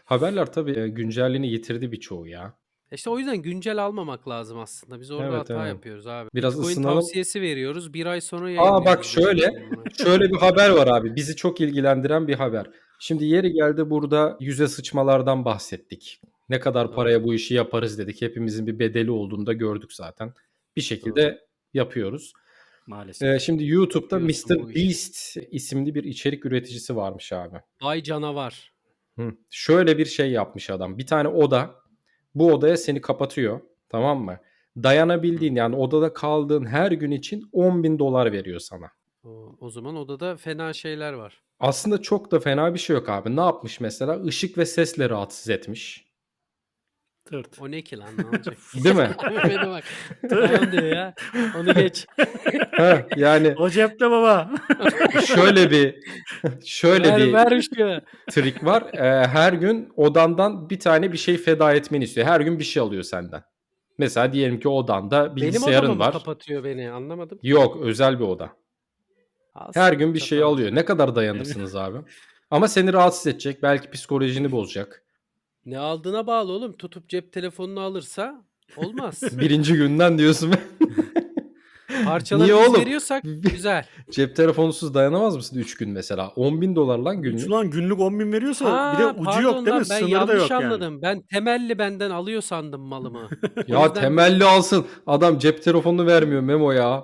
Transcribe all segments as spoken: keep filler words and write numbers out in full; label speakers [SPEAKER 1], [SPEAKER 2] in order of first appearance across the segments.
[SPEAKER 1] Haberler tabii, eee, güncelliğini yitirdi birçoğu ya.
[SPEAKER 2] İşte o yüzden güncel almamak lazım aslında. Biz orada
[SPEAKER 1] Evet,
[SPEAKER 2] hata
[SPEAKER 1] evet.
[SPEAKER 2] yapıyoruz abi.
[SPEAKER 1] Biraz
[SPEAKER 2] Bitcoin
[SPEAKER 1] ısınalım.
[SPEAKER 2] tavsiyesi veriyoruz. bir ay sonra
[SPEAKER 1] A, bak
[SPEAKER 2] yayınlıyoruz
[SPEAKER 1] şöyle,
[SPEAKER 2] Bitcoin'i amına
[SPEAKER 1] şöyle bir haber var abi, bizi çok ilgilendiren bir haber. Şimdi yeri geldi burada yüze sıçmalardan bahsettik. Ne kadar
[SPEAKER 2] Doğru,
[SPEAKER 1] paraya bu işi yaparız dedik. Hepimizin bir bedeli olduğunu da gördük zaten. Bir
[SPEAKER 2] doğru.
[SPEAKER 1] şekilde yapıyoruz. Eee,
[SPEAKER 3] Maalesef.
[SPEAKER 1] şimdi YouTube'da
[SPEAKER 2] Yapıyorsun bu işi.
[SPEAKER 1] MrBeast isimli bir içerik üreticisi varmış abi.
[SPEAKER 2] Vay canavar.
[SPEAKER 1] Hı. Şöyle bir şey yapmış adam. Bir tane oda. Bu odaya seni kapatıyor. Tamam mı?
[SPEAKER 2] Hı.
[SPEAKER 1] Dayanabildiğin yani odada kaldığın her gün için on bin dolar veriyor sana.
[SPEAKER 2] O, o zaman odada fena şeyler var.
[SPEAKER 1] Aslında çok da fena bir şey yok abi. Ne yapmış mesela? Işık ve sesle rahatsız etmiş.
[SPEAKER 3] Tırt.
[SPEAKER 2] O ne ki lan, ne olacak?
[SPEAKER 1] Değil mi?
[SPEAKER 2] Mehmet'e bak. Tamam diyor ya. Onu geç.
[SPEAKER 1] Heh, yani
[SPEAKER 3] O cepte baba.
[SPEAKER 1] şöyle bir şöyle
[SPEAKER 2] Ver
[SPEAKER 1] bir
[SPEAKER 2] ver şu.
[SPEAKER 1] trik var. Eee, her gün odandan bir tane bir şey feda etmeni istiyor. Her gün bir şey alıyor senden. Mesela diyelim ki odanda
[SPEAKER 2] Benim odama
[SPEAKER 1] bilgisayarın
[SPEAKER 2] mı
[SPEAKER 1] var.
[SPEAKER 2] kapatıyor beni? Anlamadım ki.
[SPEAKER 1] Yok, özel bir oda. Her
[SPEAKER 2] Alsın
[SPEAKER 1] gün bir şey
[SPEAKER 2] çatal.
[SPEAKER 1] alıyor. Ne kadar dayanırsınız abi? Ama seni rahatsız edecek. Belki psikolojini bozacak.
[SPEAKER 2] Ne aldığına bağlı oğlum. Tutup cep telefonunu alırsa olmaz.
[SPEAKER 1] Birinci günden diyorsun. Niye
[SPEAKER 2] Parçaları biz
[SPEAKER 1] oğlum?
[SPEAKER 2] veriyorsak güzel.
[SPEAKER 1] Cep telefonusuz dayanamaz mısın üç gün mesela? on bin dolar lan
[SPEAKER 3] üç
[SPEAKER 1] günlük.
[SPEAKER 3] lan günlük on bin veriyorsa bir de
[SPEAKER 2] Ha,
[SPEAKER 3] ucu yok
[SPEAKER 2] pardon
[SPEAKER 3] değil mi?
[SPEAKER 2] lan, ben
[SPEAKER 3] Sınırı da
[SPEAKER 2] yanlış
[SPEAKER 3] yok yani.
[SPEAKER 2] anladım. Ben temelli benden alıyor sandım malımı. O
[SPEAKER 1] Ya
[SPEAKER 2] yüzden böyle
[SPEAKER 1] temelli alsın. Adam cep telefonunu vermiyor Memo ya.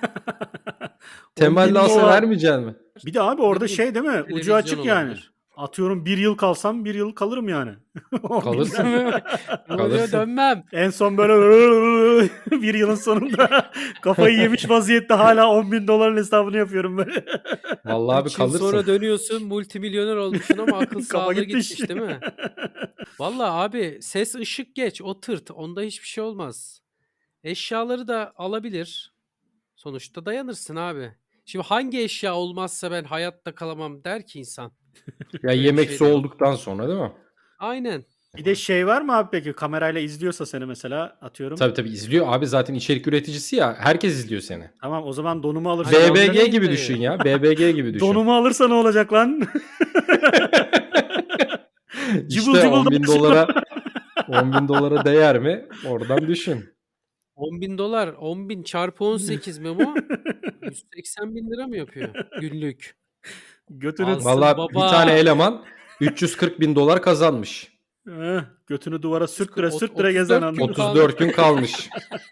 [SPEAKER 3] on
[SPEAKER 1] Temelli
[SPEAKER 3] bin
[SPEAKER 1] alsa
[SPEAKER 3] dolar.
[SPEAKER 1] vermeyeceksin mi?
[SPEAKER 3] Bir de abi
[SPEAKER 2] ne
[SPEAKER 3] orada
[SPEAKER 2] bileyim,
[SPEAKER 3] şey değil mi? Ucu
[SPEAKER 2] televizyon
[SPEAKER 3] açık yani.
[SPEAKER 2] olabilir.
[SPEAKER 3] Atıyorum bir yıl kalsam bir yıl kalırım yani. on
[SPEAKER 1] Kalırsın.
[SPEAKER 3] binden.
[SPEAKER 2] Ne oluyor,
[SPEAKER 1] Kalırsın.
[SPEAKER 2] dönmem.
[SPEAKER 3] En son böyle bir yılın sonunda kafayı yemiş vaziyette hala on bin doların hesabını yapıyorum böyle.
[SPEAKER 1] Vallahi abi
[SPEAKER 2] üç yıl
[SPEAKER 1] kalırsın.
[SPEAKER 2] sonra dönüyorsun, multimilyoner olmuşsun ama akıl
[SPEAKER 3] Kafa
[SPEAKER 2] sağlığı
[SPEAKER 3] gitti
[SPEAKER 2] gitmiş
[SPEAKER 3] işte.
[SPEAKER 2] değil mi? Vallahi abi, ses ışık geç, o tırt. Onda hiçbir şey olmaz. Eşyaları da alabilir. Sonuçta dayanırsın abi. Şimdi hangi eşya olmazsa ben hayatta kalamam der ki insan.
[SPEAKER 1] Ya
[SPEAKER 2] Öyle bir
[SPEAKER 1] yemek
[SPEAKER 2] şey de yok.
[SPEAKER 1] soğuduktan sonra değil mi?
[SPEAKER 2] Aynen.
[SPEAKER 3] Bir de şey var mı abi peki kamerayla izliyorsa seni mesela atıyorum.
[SPEAKER 1] Tabii tabii izliyor. Abi zaten içerik üreticisi ya. Herkes izliyor seni.
[SPEAKER 3] Tamam o zaman donumu alırsa.
[SPEAKER 2] Ha,
[SPEAKER 1] B B
[SPEAKER 2] canlı
[SPEAKER 1] G gibi
[SPEAKER 2] yayındayım.
[SPEAKER 1] düşün ya. B B G gibi düşün.
[SPEAKER 3] Donumu alırsa ne olacak lan? Cıbıl
[SPEAKER 1] İşte
[SPEAKER 3] cıbıl
[SPEAKER 1] on bin
[SPEAKER 3] dolaşıyor.
[SPEAKER 1] dolara on bin dolara değer mi? Oradan düşün.
[SPEAKER 2] on bin dolar, on bin çarpı on sekiz Memo, yüz seksen bin lira mı yapıyor günlük?
[SPEAKER 3] Götünü
[SPEAKER 2] Alsın
[SPEAKER 1] Vallahi bir tane
[SPEAKER 2] baba.
[SPEAKER 1] eleman üç yüz kırk bin dolar kazanmış.
[SPEAKER 3] Eh, götünü duvara sürttüre
[SPEAKER 2] Ot-
[SPEAKER 3] sürttüre gezen
[SPEAKER 2] otuz dört gün
[SPEAKER 3] anladın.
[SPEAKER 2] kaldı.
[SPEAKER 1] otuz dört gün kalmış.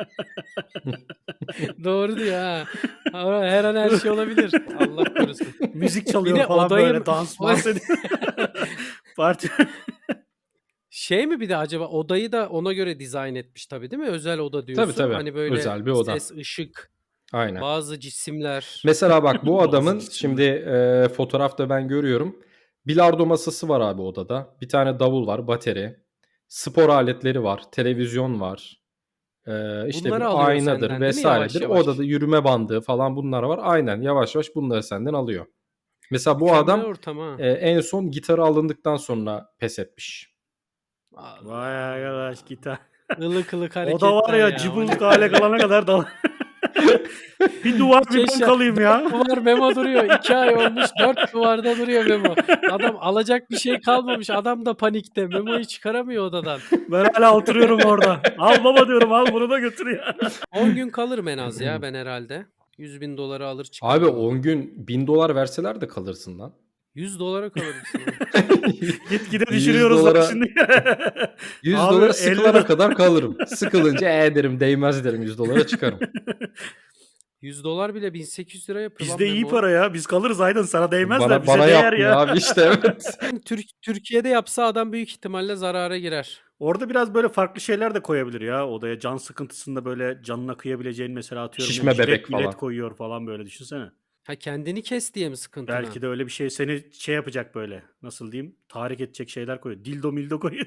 [SPEAKER 2] Doğru diyor ha. Ama her an her şey olabilir. Allah korusun.
[SPEAKER 3] Müzik
[SPEAKER 2] Bir
[SPEAKER 3] çalıyor
[SPEAKER 2] de
[SPEAKER 3] falan
[SPEAKER 2] odayı
[SPEAKER 3] böyle
[SPEAKER 2] mı-
[SPEAKER 3] dans dans ediyor. Parti.
[SPEAKER 2] Şey mi bir de acaba odayı da ona göre dizayn etmiş tabii değil mi? Özel oda diyorsun.
[SPEAKER 1] Tabii tabii.
[SPEAKER 2] Hani böyle
[SPEAKER 1] Özel bir oda.
[SPEAKER 2] ses, ışık,
[SPEAKER 1] Aynen.
[SPEAKER 2] bazı cisimler.
[SPEAKER 1] Mesela bak bu
[SPEAKER 3] Bazı
[SPEAKER 1] adamın
[SPEAKER 3] cisimler.
[SPEAKER 1] şimdi e, fotoğrafta ben görüyorum. Bilardo masası var abi odada. Bir tane davul var, bateri. Spor aletleri var, televizyon var. E, işte
[SPEAKER 2] Bunları
[SPEAKER 1] bir
[SPEAKER 2] alıyor
[SPEAKER 1] aynadır
[SPEAKER 2] senden değil mi yavaş
[SPEAKER 1] vesairedir.
[SPEAKER 2] yavaş?
[SPEAKER 1] Odada yürüme bandı falan bunlar var. Aynen yavaş yavaş bunları senden alıyor. Mesela bu
[SPEAKER 2] Mükemmel
[SPEAKER 1] adam
[SPEAKER 2] ortam ha.
[SPEAKER 1] e, en son gitarı alındıktan sonra pes etmiş.
[SPEAKER 3] Vay arkadaş gitar.
[SPEAKER 2] Ilık ılık
[SPEAKER 3] O
[SPEAKER 2] hareketler
[SPEAKER 3] da var ya,
[SPEAKER 2] ya.
[SPEAKER 3] cıbılık hale kalana kadar da. Bir duvar bir ben
[SPEAKER 2] Keşke-
[SPEAKER 3] kalayım ya.
[SPEAKER 2] Duvar Memo duruyor. İki ay olmuş. Dört duvarda duruyor Memo. Adam alacak bir şey kalmamış. Adam da panikte. Memo'yu çıkaramıyor odadan.
[SPEAKER 3] Ben hala oturuyorum orada. Al baba diyorum, al bunu da götür ya.
[SPEAKER 2] on gün kalırım en az ya ben herhalde. yüz bin doları alır çıkarım.
[SPEAKER 1] Abi on gün bin dolar verseler de kalırsın lan.
[SPEAKER 2] yüz dolara kalırsın.
[SPEAKER 3] Gitgide
[SPEAKER 1] yüz
[SPEAKER 3] düşürüyoruz
[SPEAKER 1] dolara
[SPEAKER 3] bak şimdi.
[SPEAKER 1] yüz
[SPEAKER 3] Abi,
[SPEAKER 1] dolara
[SPEAKER 3] elli
[SPEAKER 1] sıkılana
[SPEAKER 3] do-
[SPEAKER 1] kadar kalırım. Sıkılınca e derim değmez derim yüz dolara çıkarım.
[SPEAKER 2] yüz dolar bile bin sekiz yüz lira yapıyor lan
[SPEAKER 3] Bizde iyi
[SPEAKER 2] Memo.
[SPEAKER 3] para ya. Biz kalırız Aydın, sana değmez de
[SPEAKER 1] Bana,
[SPEAKER 3] bize
[SPEAKER 1] bana
[SPEAKER 3] değer
[SPEAKER 1] yapmıyor
[SPEAKER 3] ya.
[SPEAKER 1] abi işte evet.
[SPEAKER 2] Türk, Türkiye'de yapsa adam büyük ihtimalle zarara girer.
[SPEAKER 3] Orada biraz böyle farklı şeyler de koyabilir ya odaya. Can sıkıntısında böyle canına kıyabileceğin mesela atıyorum.
[SPEAKER 1] Şişme
[SPEAKER 3] jilet
[SPEAKER 1] bebek
[SPEAKER 3] milet
[SPEAKER 1] falan.
[SPEAKER 3] koyuyor falan böyle, düşünsene.
[SPEAKER 2] Ha, kendini kes diye mi sıkıntına?
[SPEAKER 3] Belki de öyle bir şey seni şey yapacak böyle. Nasıl diyeyim? Tahrik edecek şeyler koyuyor. Dildo mildo koyuyor.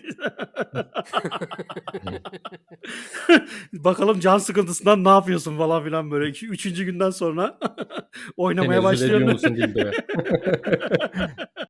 [SPEAKER 3] Bakalım can sıkıntısından ne yapıyorsun falan filan böyle. İki, üçüncü günden sonra oynamaya
[SPEAKER 1] Tenezzül ediyor
[SPEAKER 3] başlıyorsun.
[SPEAKER 1] musun dildoya?